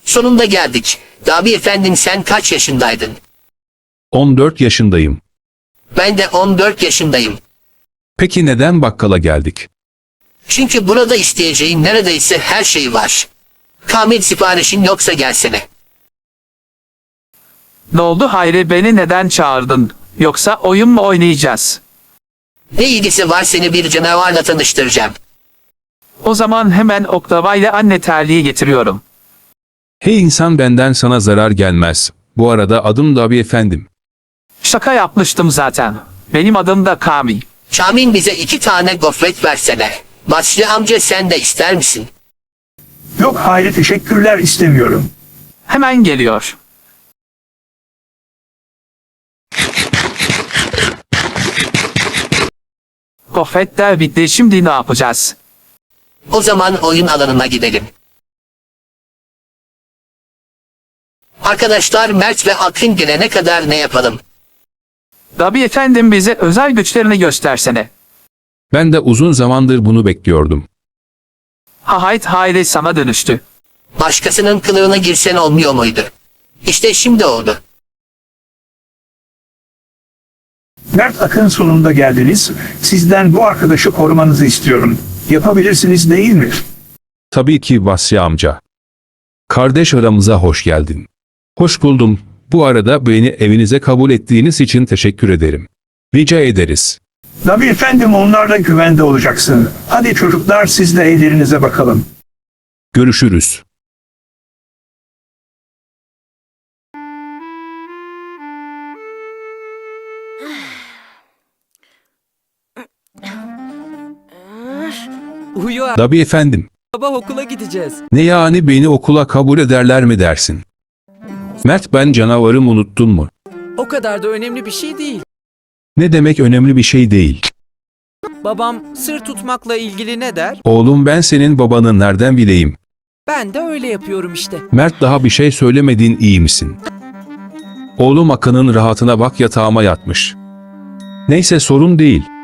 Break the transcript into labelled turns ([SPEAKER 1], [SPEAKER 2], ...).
[SPEAKER 1] Sonunda geldik. Abi efendim sen kaç yaşındaydın?
[SPEAKER 2] 14 yaşındayım.
[SPEAKER 1] Ben de 14 yaşındayım.
[SPEAKER 2] Peki neden bakkala geldik?
[SPEAKER 1] Çünkü burada isteyeceğin neredeyse her şey var. Kamil siparişin yoksa gelsene.
[SPEAKER 3] Ne oldu Hayri, beni neden çağırdın? Yoksa oyun mu oynayacağız?
[SPEAKER 1] Ne ilgisi var, seni bir canavarla tanıştıracağım.
[SPEAKER 3] O zaman hemen oklava ile anne terliği getiriyorum.
[SPEAKER 2] Hey insan, benden sana zarar gelmez. Bu arada adım da abi efendim.
[SPEAKER 3] Şaka yapmıştım zaten. Benim adım da Kamil.
[SPEAKER 1] Kamil bize 2 tane gofret versene. Basri amca sen de ister misin?
[SPEAKER 4] Yok Hayri, teşekkürler, istemiyorum.
[SPEAKER 3] Hemen geliyor. Gofret de bitti, şimdi ne yapacağız?
[SPEAKER 1] O zaman oyun alanına gidelim. Arkadaşlar, Mert ve Akın gelene kadar ne yapalım?
[SPEAKER 3] Tabii efendim, bize özel güçlerini göstersene.
[SPEAKER 2] Ben de uzun zamandır bunu bekliyordum.
[SPEAKER 3] Hayri sana dönüştü.
[SPEAKER 1] Başkasının kılığına girsen olmuyor muydu? İşte şimdi oldu.
[SPEAKER 4] Mert, Akın, sonunda geldiniz. Sizden bu arkadaşı korumanızı istiyorum. Yapabilirsiniz değil mi?
[SPEAKER 2] Tabii ki Basri amca. Kardeş, aramıza hoş geldin. Hoş buldum. Bu arada beni evinize kabul ettiğiniz için teşekkür ederim. Rica ederiz.
[SPEAKER 4] Tabii efendim, onlarla güvende olacaksın. Hadi çocuklar, siz de evlerinize bakalım.
[SPEAKER 2] Görüşürüz.
[SPEAKER 5] Uyu abi,
[SPEAKER 2] Tabii efendim.
[SPEAKER 5] sabah okula gideceğiz.
[SPEAKER 2] Ne yani, beni okula kabul ederler mi dersin? Mert, ben canavarım, unuttun mu?
[SPEAKER 5] O kadar da önemli bir şey değil.
[SPEAKER 2] Ne demek önemli bir şey değil?
[SPEAKER 5] Babam sır tutmakla ilgili ne der?
[SPEAKER 2] Oğlum, ben senin babanı nereden bileyim?
[SPEAKER 5] Ben de öyle yapıyorum işte.
[SPEAKER 2] Mert, daha bir şey söylemedin, iyi misin? Oğlum, Akın'ın rahatına bak, yatağıma yatmış. Neyse, sorun değil.